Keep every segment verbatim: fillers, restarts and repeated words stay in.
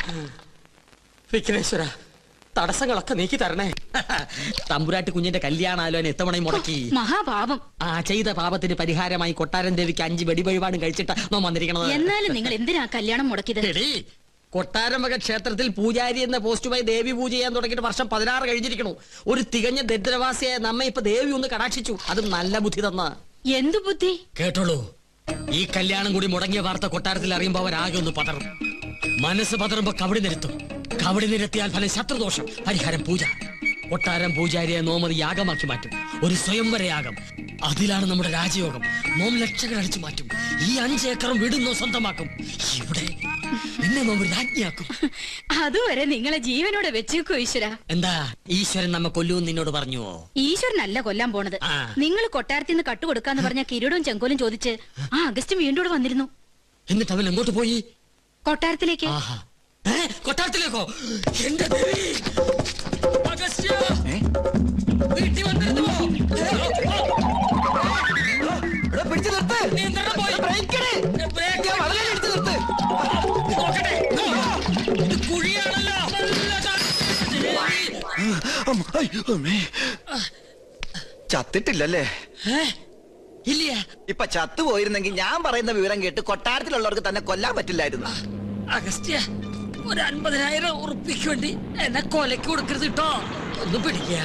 വിഘ്നേശ്വര, തടസ്സങ്ങളൊക്കെ നീക്കി തരണേ. തമ്പുരാട്ടി കുഞ്ഞിന്റെ കല്യാണാലോചന എത്തവണയും മുടക്കി. മഹാപാപം. ആ ചെയ്ത പാപത്തിന് പരിഹാരമായി കൊട്ടാരൻ ദേവിക്ക് അഞ്ച് വെടിവഴിപാടും കഴിച്ചിട്ട് നോ വന്നിരിക്കണത്. എന്നാലും നിങ്ങൾ എന്തിനാ കല്യാണം മുടക്കിയത്? കൊട്ടാരമക ക്ഷേത്രത്തിൽ പൂജാരി എന്ന പോസ്റ്റുമായി ദേവി പൂജ ചെയ്യാൻ തുടങ്ങിയിട്ട് വർഷം പതിനാറ് കഴിഞ്ഞിരിക്കണു. ഒരു തികഞ്ഞ ദരിദ്രവാസിയായ നമ്മെ ഇപ്പൊ ദേവി ഒന്ന് കടാക്ഷിച്ചു. അതും നല്ല ബുദ്ധി തന്ന. എന്തു ബുദ്ധി? കേട്ടോളൂ, ഈ കല്യാണം കൂടി മുടങ്ങിയ വാർത്ത കൊട്ടാരത്തിൽ അറിയുമ്പോ അവരാകെ ഒന്ന് പതറും. മനസ്സ് പതറുമ്പോ കവടി നിരത്തും. കവടി നിരത്തിയാൽ ഫലം ശത്രുദോഷം, പരിഹാരം പൂജ. കൊട്ടാരം പൂജാരിയെ നോമത് യാഗമാക്കി മാറ്റും. ഒരു സ്വയംവര യാഗം. അതിലാണ് നമ്മുടെ രാജയോഗം. നോം ലക്ഷങ്ങൾ അടിച്ചു മാറ്റും. ഈ അഞ്ചേക്കറും വിടുന്നോ സ്വന്തമാക്കും. ഇവിടെ എന്നെ നോം രാജ്ഞിയാക്കും. അതുവരെ നിങ്ങളെ ജീവനോടെ വെച്ചേക്കോ ഈശ്വര. എന്താ ഈശ്വരൻ നമ്മ കൊല്ലൂന്ന് നിന്നോട് പറഞ്ഞുവോ? ഈശ്വരനല്ല കൊല്ലാൻ പോണത്. നിങ്ങൾ കൊട്ടാരത്തിൽ നിന്ന് കട്ടുകൊടുക്കാന്ന് പറഞ്ഞ കിരീടവും ചെങ്കോലും ചോദിച്ച് ആ അഗസ്റ്റ് വീണ്ടും ഇവിടെ വന്നിരുന്നു. എന്നിട്ട് അവൻ എങ്ങോട്ട് പോയി? കൊട്ടാരത്തിലേക്ക്. കൊട്ടാരത്തിലേക്കോ? എന്റെ ദേവി! വീട്ടിൽ വന്നിരുന്നോ? പിടിച്ചു നിർത്ത്. ഇത് കുഴിയാണല്ലോ. ചത്തിട്ടില്ലല്ലേ? ഇല്ല. ഇപ്പൊ ചത്തുപോയിരുന്നെങ്കിൽ ഞാൻ പറയുന്ന വിവരം കേട്ട് കൊട്ടാരത്തിലുള്ളവർക്ക് തന്നെ കൊല്ലാൻ പറ്റില്ലായിരുന്നു. അഗസ്ത്യ, ഒരു അൻപതിനായിരം ഉറുപ്പിക്ക് വേണ്ടി എന്നെ കൊലക്ക് കൊടുക്കരുത് കേട്ടോ. ഒന്ന് പിടിക്കുക.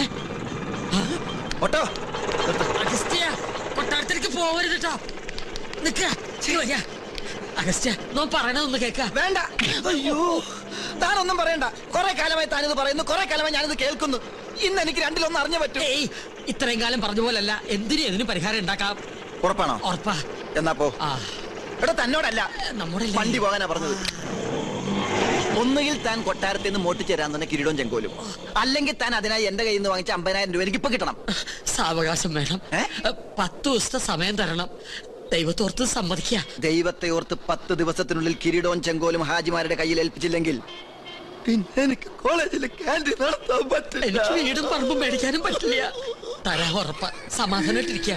അഗസ്ത്യ, കൊട്ടാരത്തിലേക്ക് പോവരുത് കേട്ടോ. നിക്ക. അഗസ്ത്യ, നോ പറയണതൊന്ന് കേക്ക. വേണ്ട. അയ്യോ, താനൊന്നും പറയണ്ട. കുറെ കാലമായി താനിത് പറയുന്നു, കുറെ കാലമായി ഞാനിത് കേൾക്കുന്നു. ഇന്ന് എനിക്ക് രണ്ടിലൊന്നും അറിഞ്ഞു പറ്റും. ഇത്രയും കാലം പറഞ്ഞ പോലല്ല, എന്തിനും ഏതിനും പരിഹാരം ഉണ്ടാക്കാം. ഉറപ്പാണോ? ഉറപ്പാ. എന്നാ പോ. ഇവിടെ തന്നോടല്ല, നമ്മുടെ വണ്ടി പോകാനാ പറഞ്ഞത്. ഒന്നുകിൽ താൻ കൊട്ടാരത്തിൽ നിന്ന് മോട്ടിച്ചേരാൻ തന്നെ കിരീടവും ചെങ്കോലും, അല്ലെങ്കിൽ താൻ അതിനായി എന്റെ കയ്യിൽ നിന്ന് വാങ്ങിച്ച അമ്പതിനായിരം രൂപ എനിക്ക് ഇപ്പൊ കിട്ടണം. സാവകാശം വേണം. പത്ത് ദിവസത്തെ സമയം തരണം. ദൈവത്തോർത്ത് സമ്മതിക്ക. ദൈവത്തെ ഓർത്ത് പത്ത് ദിവസത്തിനുള്ളിൽ കിരീടവും ചെങ്കോലും ഹാജിമാരുടെ കയ്യിൽ ഏൽപ്പിച്ചില്ലെങ്കിൽ പിന്നെ എനിക്ക് കോളേജിൽ ക്യാൻറ്റീൻ നടത്താൻ പറ്റില്ല. എനിക്ക് വീടും പറമ്പും മേടിക്കാനും പറ്റില്ല. തരാ ഉറപ്പ. സമാധാനായിട്ടിരിക്കുക.